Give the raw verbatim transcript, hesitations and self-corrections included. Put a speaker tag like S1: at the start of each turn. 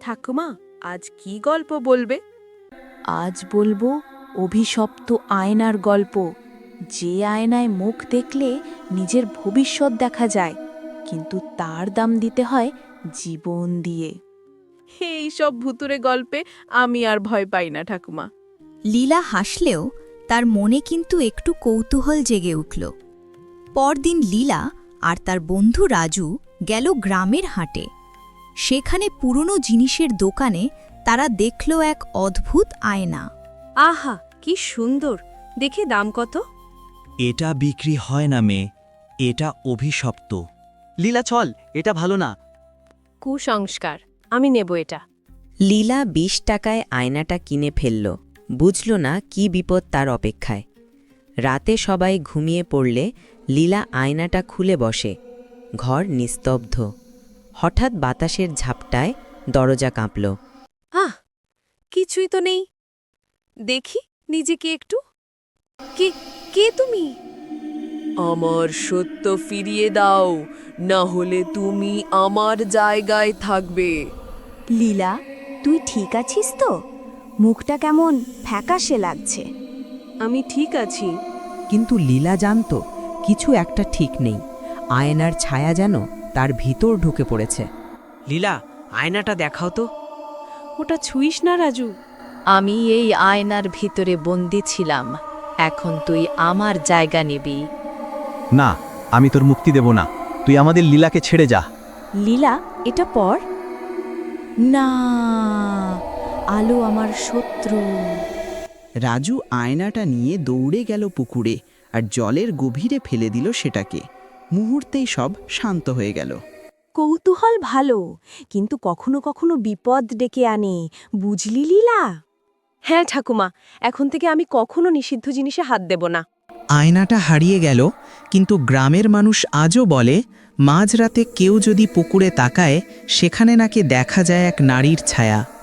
S1: ঠাকুমা, আজ কি গল্প বলবে?
S2: আজ বলবো অভিশপ্ত আয়নার গল্প। যে আয়নায় মুখ দেখলে নিজের ভবিষ্যৎ দেখা যায়, কিন্তু তার দাম দিতে হয় জীবন দিয়ে।
S1: এই সব ভুতুরে গল্পে আমি আর ভয় পাই না ঠাকুমা।
S3: লীলা হাসলেও তার মনে কিন্তু একটু কৌতূহল জেগে উঠল। পরদিন লীলা আর তার বন্ধু রাজু গেল গ্রামের হাটে। সেখানে পুরনো জিনিসের দোকানে তারা দেখল এক অদ্ভুত আয়না।
S4: আহা, কি সুন্দর! দেখে দাম কত?
S5: এটা বিক্রি হয় না মেয়ে, এটা অভিশপ্ত।
S6: লীলা, চল, এটা ভালো না।
S4: কুসংস্কার, আমি নেব এটা।
S7: লীলা বিশ টাকায় আয়নাটা কিনে ফেলল, বুঝল না কি বিপদ তার অপেক্ষায়। রাতে সবাই ঘুমিয়ে পড়লে লীলা আয়নাটা খুলে বসে। ঘর নিস্তব্ধ। হঠাৎ বাতাসের ঝাপটায় দরজা কাঁপল।
S4: আহ, কিছুই তো নেই। দেখি নিজেকে একটু। কে কে তুমি?
S1: আমার সত্য ফিরিয়ে দাও, না হলে তুমি আমার জায়গায় থাকবে।
S3: লীলা, তুই ঠিক আছিস তো? মুখটা কেমন ফ্যাকাশে লাগছে।
S4: আমি ঠিক আছি।
S8: কিন্তু লীলা জানত কিছু একটা ঠিক নেই। আয়নার ছায়া যেন তার ভিতর ঢুকে পড়েছে।
S6: লীলা, আয়নাটা দেখাও তো।
S4: ওটা ছুঁইস না রাজু।
S2: আমি এই আয়নার ভিতরে বন্দি ছিলাম, এখন তুই আমার জায়গা নিবি।
S9: না, আমি তোর মুক্তি দেব না। তুই আমাদের লীলাকে ছেড়ে যা।
S3: লীলা, এটা পড়। না, আলো আমার শত্রু।
S10: রাজু আয়নাটা নিয়ে দৌড়ে গেল পুকুরে আর জলের গভীরে ফেলে দিল সেটাকে। মুহূর্তেই সব শান্ত হয়ে গেল।
S3: কৌতূহল ভালো, কিন্তু কখনো কখনো বিপদ ডেকে আনে, বুঝলি লীলা?
S4: হ্যাঁ ঠাকুমা, এখন থেকে আমি কখনো নিষিদ্ধ জিনিসে হাত দেব না।
S8: আয়নাটা হারিয়ে গেল, কিন্তু গ্রামের মানুষ আজও বলে মাঝরাতে কেউ যদি পুকুরে তাকায়, সেখানে নাকি দেখা যায় এক নারীর ছায়া।